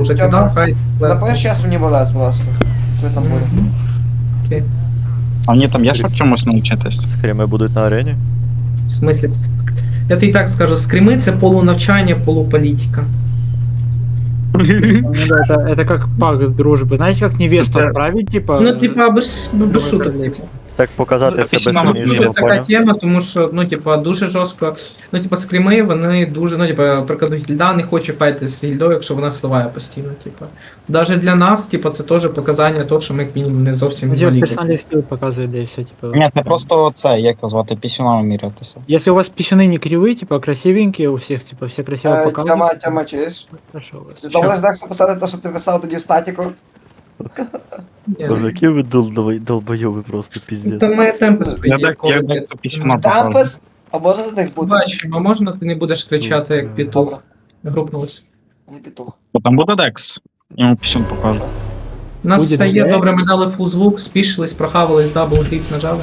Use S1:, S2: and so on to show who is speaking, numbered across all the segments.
S1: продовжити,
S2: Тьома,
S1: да? Хай.
S2: Напиши зараз мені балес, будь ласка. Хто там буде?
S1: Мгм. Окей.
S3: А мені там є що чомусь навчитись?
S4: Скріми будуть на арені?
S1: В смысле, я тобі так скажу, скрими це полунавчання, полуполітика.
S5: Ну да, это как пакт дружбы. Знаете, как невесту отправить, типа...
S1: Ну, типа, без шуток, типу.
S4: Так показати
S3: Ну,
S4: себе
S3: нам
S1: Це
S4: сильнішим,
S1: така
S4: поняв?
S1: тема, тому що, ну, типа, дуже жорстко. Ну, типа, скріми, вони дуже, ну, типа, прикладуть гільда не хоче файти з гільдою, якщо вона сливає постійно, типа. Даже для нас, типа, це теж показання того, що ми, як мінімум, не зовсім
S5: Где
S1: малі.
S5: персональный скилл показывает, да и все, типа.
S3: Ні, це просто це, як його звати, пісюнами мірятися.
S5: Если у вас писюны не кривые, типа красивенькие у всех, типа все красиво показывают.
S2: Тьома, чуєш?
S5: Хорошо у вас.
S2: Ти знову так записати те, що ти писав тоді в статіку?
S1: Ні.
S4: Боже, які ви долбойови просто піздець.
S1: Там має темпи свої.
S3: Я так це пісюна покажу.
S2: Тампес? А можна за них бути?
S1: Бачимо, можна ти не будеш кричати, як петух.
S2: Добре,
S1: Групнулись.
S2: не петух.
S3: Бо там буде Декс. Йому пісюн покажу.
S1: У нас
S5: Буде
S1: все є,
S5: добре.
S1: добре, ми дали фул звук, спішились, прохавались, дабл гриф нажали.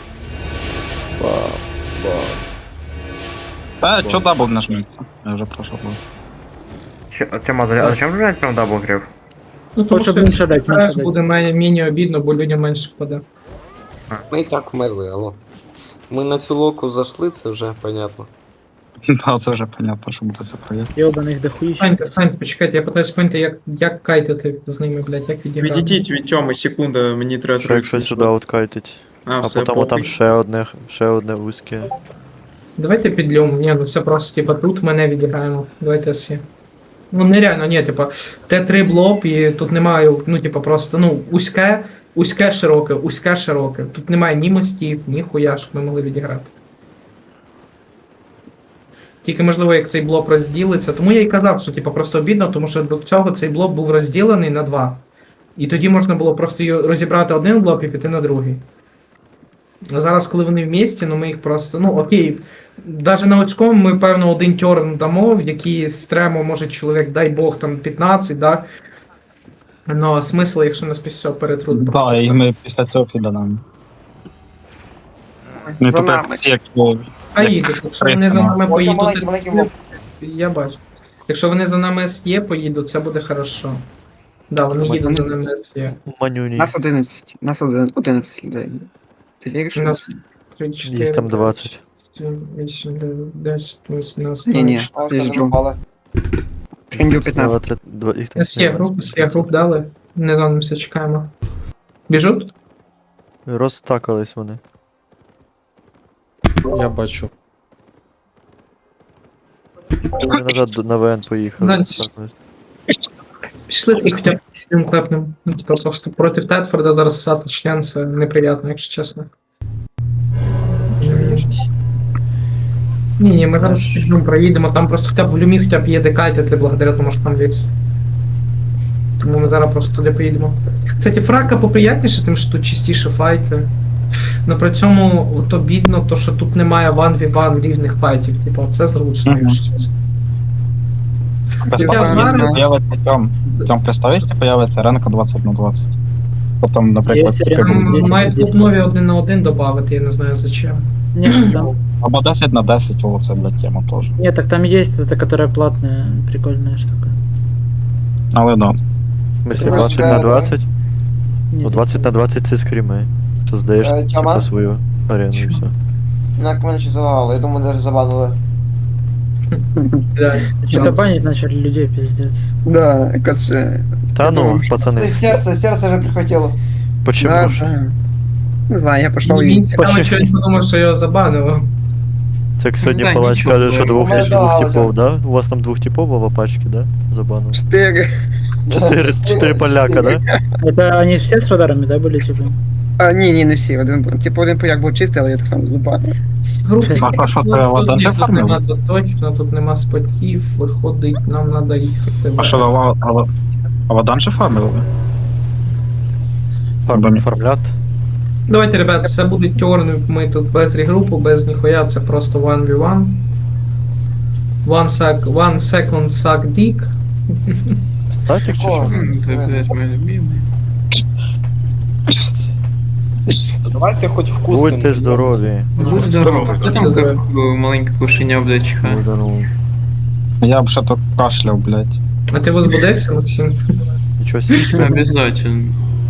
S3: Та, чо дабл нажметься? Я вже пройшов.
S6: Тема, а зачем взять прям даблгриф?
S1: Ну, тому
S5: Хоче
S1: що
S5: менше дати,
S1: теж
S5: менше
S1: буде мені обідно, бо людям менше впаде.
S7: Ми і так вмерли, алло. Ми на цю локу зайшли, це вже понятно.
S3: Та, це вже понятно, що буде це проєкт.
S5: Ёбаных дохуища.
S1: Станьте, почекайте, я питаюсь поняти, як кайтити з ними, блядь, як відіграти.
S8: Відійдіть від Тьоми, секунда, мені треба
S4: Що якщо сюди откайтить?
S8: А,
S4: А
S8: все,
S4: потім
S8: похуй.
S4: там ще одне вузьке.
S1: Давайте підльом, ні, ну все просто, типа, тут мене відіграємо. Давайте всі. Ну нереально, ні, типа, Т3 блок і тут немає, ну, типа, просто, ну, узьке широке. Тут немає ні мостів, ні хуя, щоб ми могли відіграти. Тільки можливо, як цей блок розділиться. Тому я і казав, що типа просто обідно, тому що до цього цей блок був розділений на два. І тоді можна було просто розібрати один блок і піти на другий. А зараз, коли вони в місті, ну ми їх просто. Ну окей. Навіть на Оцькому ми, певно, один тьорн дамо, в який стремо може чоловік, дай Бог, там 15, да? Ну, а смисл, якщо нас після цього перетруть просто.
S3: Так, і
S1: все.
S3: ми після цього фіданемо. Ну,
S2: За
S3: тут
S2: нами.
S3: як ці, як його-
S1: А їдуть, якщо вони за нами
S2: Ой,
S1: поїдуть.
S2: маленький, маленький блок.
S1: Я бачу. Якщо вони за нами СЄ поїдуть, це буде хорошо. Да, вони
S2: Це
S1: їдуть за
S2: вони-
S1: нами СЄ.
S4: Манюні.
S2: Нас 11. Нас 11 людей. Ти віриш?
S1: У нас 3, 4,
S4: Їх там 20.
S1: 8, 9, 10, 18,
S8: Ні-ні.
S1: 19.
S2: Ти ж пропали. Трендів 15.
S4: Їх там
S1: СЄ груп дали. Не зонимося, чекаємо. Біжуть?
S4: Розтакались вони.
S8: Я бачу.
S4: Вони назад на ВН поїхали.
S1: Да,
S4: розтакались.
S1: Пішли і хоча б сідим клепнем. Ну, типа, просто проти Тетфорда зараз ссати член, це неприємно, якщо чесно. Ні, ми зараз підлюм проїдемо, там просто хоча б в люмі хоча б є декайтити благодаря тому, що там ліс. Тому ми зараз просто туди поїдемо. Кстати, фрака поприятніше, тим що тут чистіше файти. Но при цьому то бідно, то що тут немає 1v1 рівних файтів. Типу, це зручно,
S3: Мгм.
S1: якщо чесно.
S3: Представь,
S1: зараз-
S3: якщо появиться Тьом, представь, якщо появиться ренка 20 на 20. Потім, наприклад,
S5: Є
S3: тільки
S5: Ренка.
S3: буде-
S1: Там мають тут нові 1 на 1 додати, я не знаю зачем.
S5: Нет, там,
S3: або 10 на 10, о, це для тема теж.
S5: нет, так там есть эта, которая платная, прикольная штука.
S3: Але да.
S4: В смысле,
S2: Короче,
S4: 20 на 20? Ну
S5: Нет,
S4: 20 на 20 це скріми. Создаєш
S2: Тьома?
S4: типа свою арену і
S1: Чого?
S4: все.
S2: На мене ще залагало, я думаю, навіть забанили.
S1: Блядь.
S5: Что-то банить начали людей, пиздец.
S8: Да, короче.
S4: Та ну, пацани,
S2: Серце вже прихватило.
S4: почему ж?
S8: Не знаю, я пішов
S1: Він
S8: і...
S1: цікаво, що він подумав, що його забанили.
S4: Це як сьогодні
S8: Да,
S4: палач
S8: нічого,
S4: каже, що двох
S2: мене
S4: двох
S2: здавалося.
S4: типов, да? У вас там двох типов в пачці, да? Забанив.
S8: 4.
S4: Чотири поляка, да?
S5: Это они все с радарами, да, были, типа?
S8: А, ні, не всі. Типу один пояк був чистий, але я так само злупав.
S1: Групи
S3: А що, треба
S1: тут
S3: данже
S1: ні, тут
S3: фармили?
S1: нема, тут точно, тут нема спотів, виходить, нам треба їхати.
S3: А що, а водан же фармили?
S4: Фармлят.
S1: Давайте, ребят, це буде тьорни, ми тут без регрупу, без ніхуя, це просто 1v1. One second suck dick.
S4: Статік чи що?
S8: Це, блядь, моє любимий.
S7: Давайте хоч вкусно.
S4: Будьте здорові.
S8: Будь здоровий. Хто там
S1: Здоровий.
S8: як маленьке кошеня, блядь, чихає?
S4: Будь здорові.
S3: Я б ще то кашляв, блядь.
S1: А ти возбудився, Максим?
S4: Нічого себе.
S9: Обязательно.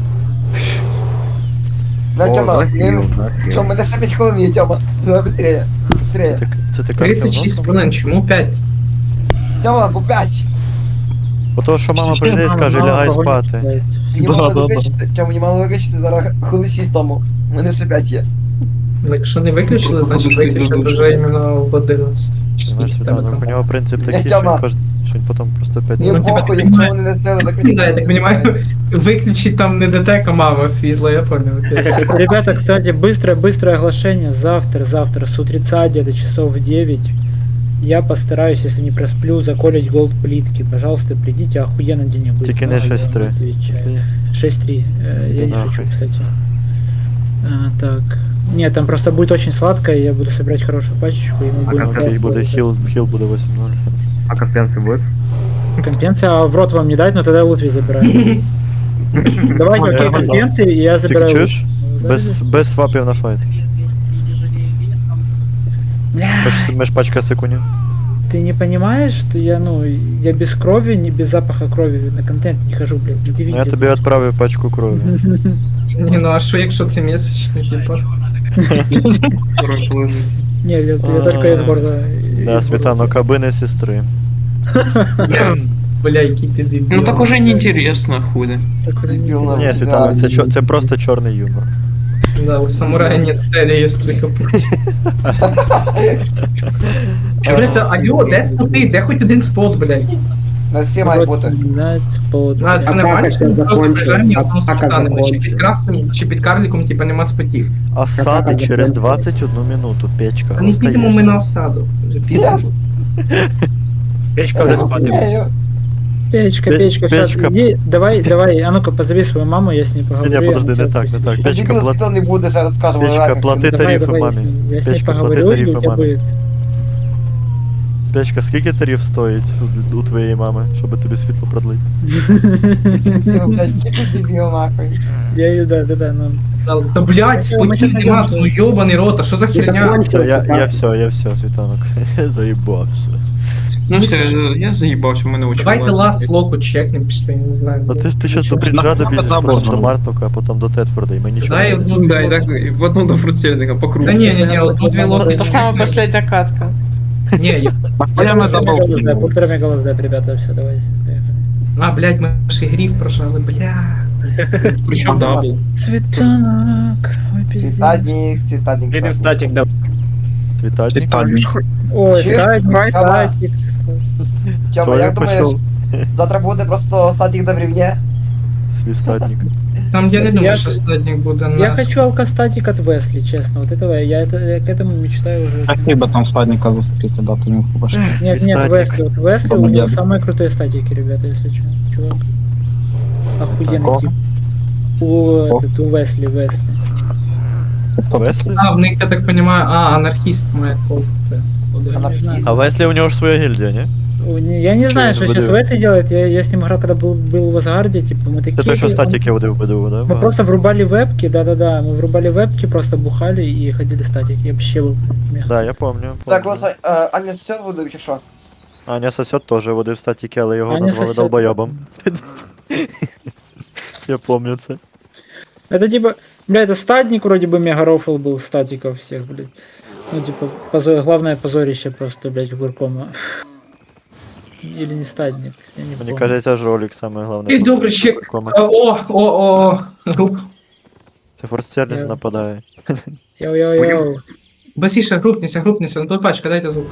S8: Бля,
S6: О,
S8: Тьома,
S6: захил, захил.
S8: Тьома, мене ще 5 хвилин є, Тьома. Давай быстрее. Быстрее.
S4: Це ти
S1: 36 хвилин, чому 5?
S8: Тьома, бо 5.
S4: Ото що мама прийде і скаже,
S5: Мама
S4: лягай
S5: погонить
S4: спати.
S5: стоїть.
S8: Мені
S5: Да,
S8: мало
S5: да, да.
S8: виключити. Тьома, мені мало виключити зараз хвилин 6 тому. У мене ще 5 є.
S1: Якщо не виключили, значить виключать вже іменно в 11. Чи
S4: Знаєш,
S1: скільки тебе
S4: Світлана, у
S1: там?
S4: нього принцип
S8: Я
S4: такий, що
S8: Тьома.
S4: він потім просто 5
S8: Мені
S1: Ну, тебе
S8: похуй,
S1: так
S8: якщо
S1: немає.
S8: вони не встигли виключити.
S1: Да, я так понимаю, виключить там не ДТК, мама свізла, я понял. окей.
S5: Ребята, кстати, быстрое оглашение. Завтра с утреца где-то часов в 9. Я постараюсь, если не просплю, заколить голд плитки. Пожалуйста, придите, охуенно денег будет.
S4: Тільки не
S5: много, я
S4: 6-3.
S5: вам отвечаю. 6-3. Я не
S4: нахуй.
S5: шучу, кстати. Так. Нет, там просто будет очень сладкое, я буду собирать хорошую пачечку, и мы будем...
S6: как
S4: Тоді буде хіл буде 8-0.
S6: А компенсы будет?
S5: Компенсия, а в рот вам не дать, но тогда Лутви забираю. Давайте, окей, компенсы, и я
S4: Тільки
S5: забираю.
S4: чуєш?
S5: Лутви.
S4: Без свапів на файт.
S5: Бля,
S4: Ми ж пачка секундів.
S5: ты не понимаешь, что я, ну, я без крови, не без запаха крови на контент не хожу, блядь, где
S4: Ну, я
S5: видите?
S4: тобі відправив пачку крові.
S1: Ні, ну а що якщо це місячний, типа?
S5: Не, я только из города.
S4: Да, Світано, кабини сестри.
S1: Бля, який ти дебіл.
S9: Ну так уже неинтересно, хули.
S8: Дебіл,
S4: Ні, Світано, це просто чорний юмор.
S1: Да, у самурая нет цели, є только путь. Блядь, алло, де споти? Де хоч один спот, блядь?
S8: На всі мають бути.
S1: А, це нормально, що ми просто приїжджаємо і одного спота нема. Чи під красним, чи під карліком, типа, нема спотів.
S4: Осади через 21 минуту, печка.
S1: А не підемо ми на осаду. Підемо.
S5: Печка
S8: Я розумію.
S5: Печка,
S4: Печка.
S5: сейчас, иди, давай, а ну-ка, позови свою маму, я с ней поговорю.
S4: Ні,
S5: я
S4: подожди,
S5: на
S4: не
S5: тебя
S4: так, не так.
S5: подпишу.
S4: Печка,
S8: Дебіл, хто не буде, зараз скажемо.
S4: Печка,
S8: реально,
S4: плати
S8: все.
S5: Давай,
S4: тарифи
S5: давай,
S4: мамі.
S5: я с ней
S4: Печка, плати
S5: поговорю, и
S4: тарифи
S5: у тебя
S4: мамі.
S5: будет.
S4: Печка, скільки тариф стоїть у твоєї мами, щоб тобі світло продлить?
S8: Ну, блядь, який ти дебіл, нахуй.
S5: Я ее, да, ну.
S1: Та, блядь, спотів нема, ну йобаний рот, а що за херня?
S4: Все, я все, Світанок. Заїбався.
S9: Ну все, я заебался, у мене очень
S1: Давайте лас локу чекнем, пішли, не знаю.
S4: Ну ти щас до Бріджа добіжиш, потім до Мартука, а потім до Тетфорда, і ми нічого
S1: Дай
S4: не
S1: одну
S9: Да, и так, и в одном до фрутсельника по кругу.
S1: Та ні, одну дві локи.
S10: Это самая последняя катка.
S1: Ні, я...
S5: Полтора мегалов, да, ребята, все, давайте. поехали.
S1: А, блядь, ми ж і гриф прожали, бля.
S9: Причем дабл.
S5: Цветанок, ой, пиздец.
S8: Цвітадник, цвітадник.
S4: Світатник.
S5: Ой,
S8: Чуєш?
S5: статик,
S8: Давай.
S5: статик.
S8: Тьома, як
S4: Чоловік
S8: думаєш,
S4: почав.
S8: завтра буде просто статік на брівні?
S4: Свістатник.
S1: Там я не
S5: Я-
S1: думаю, що статник буде
S5: Я
S1: на...
S5: хочу алкостатик от Весли, честно. Вот этого я к этому мечтаю уже.
S3: Хотів би там стадника зустріти, дати йому побачити.
S5: Нет,
S4: Свистатик.
S5: Весли. Вот Весли у него
S3: Помогет.
S5: самые крутые статики, ребята, если что. Чувак. Охуенный
S3: Такого?
S5: тип. У Весли.
S3: Це хто
S4: Веслі?
S1: А, в них, я так понимаю, анархіст має бути.
S8: Анархіст.
S4: А Веслі у нього ж своя гільдія, ні?
S5: Я не знаю,
S4: Чё,
S5: что сейчас
S4: БДУ?
S5: Весли делает. Я с ним играл, когда был в Асгарде, типа, мы такие...
S4: Це той, що
S5: он-
S4: статики водив БДУ, да?
S5: Мы просто врубали вебки, да-да-да, мы врубали вебки, просто бухали и ходили статик. Я вообще был мех.
S4: Да, я помню.
S8: Так,
S4: помню.
S8: ось, Аня сьогодні буде, чи що?
S4: Аня сосед теж водив статики, але його
S5: Аня
S4: назвали
S5: сосед.
S4: долбойобом. Я помню це.
S5: Это типа, бля, это статник вроде бы мегарофл был статиков всех, блядь. Ну типа, главное позорище просто, блядь, Гуркома. Или не статник, я не
S4: Мені
S5: помню.
S4: кажеться, жолік саме головне.
S1: І добре, ще... Груп.
S4: Це форстерлінг
S5: Я-
S4: нападає.
S5: Йоу-йоу-йоу.
S1: Басіше, групніся, ну тут пачка, дайте звук.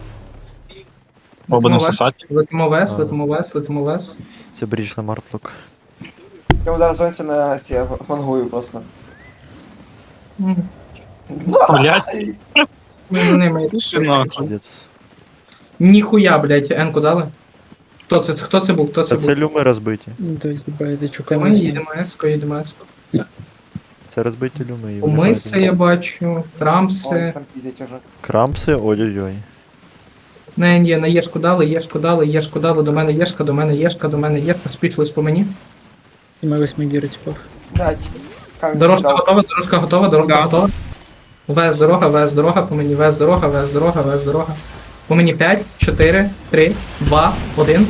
S3: Оба
S1: Летимо
S3: не
S1: вес,
S3: сосать.
S1: летимо вес.
S4: Це бріч на Мартлук.
S8: Я зараз зонці на ці мангую просто.
S3: Блять,
S1: Ми за ними йдемо.
S4: Пиздец.
S1: Ніхуя, блядь, енку дали. Хто це був?
S4: Та це люми розбиті.
S5: Ну то типа, это
S1: Ми
S5: чуками.
S1: їдемо еско.
S4: Це розбиті люми. і вони
S1: Умиси
S4: кажуть,
S1: я бачу, крамси.
S8: Ой, там піздять уже.
S4: Крампси, ой-ой-ой.
S1: Не, на єшку дали, до мене єшка, спічлись по мені.
S5: И мои 8 гиры типов.
S8: Блядь. камінь
S1: Дорожка
S8: кидав.
S1: готова.
S9: Да.
S1: Вес дорога, по мені, вес дорога. По мені 5, 4, 3, 2, 1.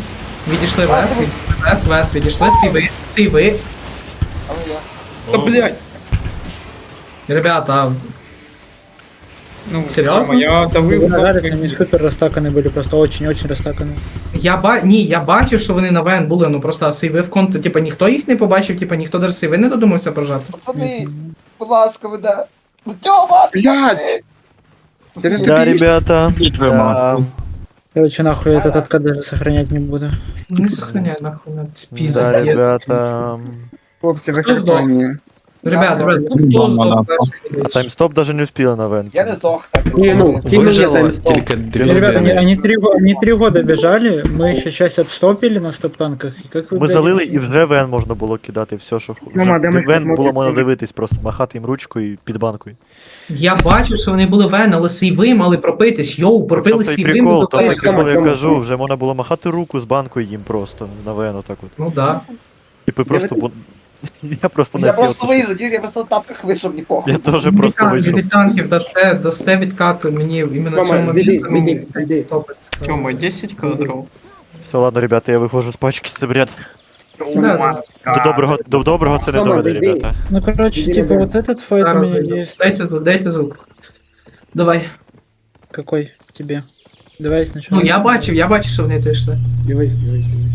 S1: Відійшли вес, відійшли сейви.
S9: Та блядь.
S1: Ребята,
S9: Ну,
S1: Серйозно?
S9: Я давив
S5: Нажали,
S9: кнопки.
S5: они супер растаканы были, просто очень-очень растаканы.
S1: я бачив, що вони на ВН були, ну просто сейви в конту, типа ніхто їх не побачив, типа ніхто навіть сейви не додумався прожати.
S8: Пацани, будь ласка, ви да. Тьома! Блядь! Я не
S4: Да,
S8: тобі.
S4: ребята. Да,
S5: Короче, нахуй этот откат даже сохранять не буду.
S1: Не сохраняй нахуй,
S4: да,
S1: пиздец.
S4: ребята.
S8: Хлопці, ви
S1: Хто здох?
S8: хартовані.
S1: Ребята,
S3: Мама,
S1: хто здох
S3: мама.
S1: перший?
S4: А таймстоп даже не успела на вен.
S8: Я не здох, кстати.
S10: Ні, ну,
S9: Вижила тільки дві
S5: Ребята,
S9: людини.
S5: они 3 года бежали, мы еще часть отстопили на стоп-танках. И как вы,
S4: Ми
S5: блядь,
S4: залили і вже вен можна було кидати все, що
S8: Рома, де ми
S4: вен
S8: смотрим?
S4: було можна дивитись, просто махати їм ручкою під банкою.
S1: Я бачу, що вони були ВН, але сейви мали пропитись. Йоу, пропили
S4: Тобто і
S1: сейви,
S4: прикол,
S1: ми
S4: там
S1: допили.
S4: прикол, я кажу, вже можна було махати руку з банкою їм просто на вен отак от.
S1: Ну да.
S4: Типу просто я просто не
S8: Я
S4: сів.
S8: просто вийду, я просто в тапках вийшов, мені похуй.
S4: Я теж просто вийшов.
S1: Від танків дасте відкат мені іменно
S10: Рома,
S1: цьому
S10: зайди,
S1: моменту.
S10: зайди.
S9: Тьома, 10 кадров.
S4: Все, ладно, ребята, я виходжу з пачки, це бред.
S1: Да,
S4: До доброго це не
S10: Рома,
S4: доведе,
S10: зайди.
S4: ребята.
S5: Ну, короче,
S10: Иди
S5: типа,
S10: на
S5: вот этот файт у
S1: Зараз
S5: меня
S1: зайду.
S5: есть.
S1: Дайте звук. Давай.
S5: Какой тебе? Давай сначала.
S1: Ну я бачив, що вони то йшли.
S10: Дивись.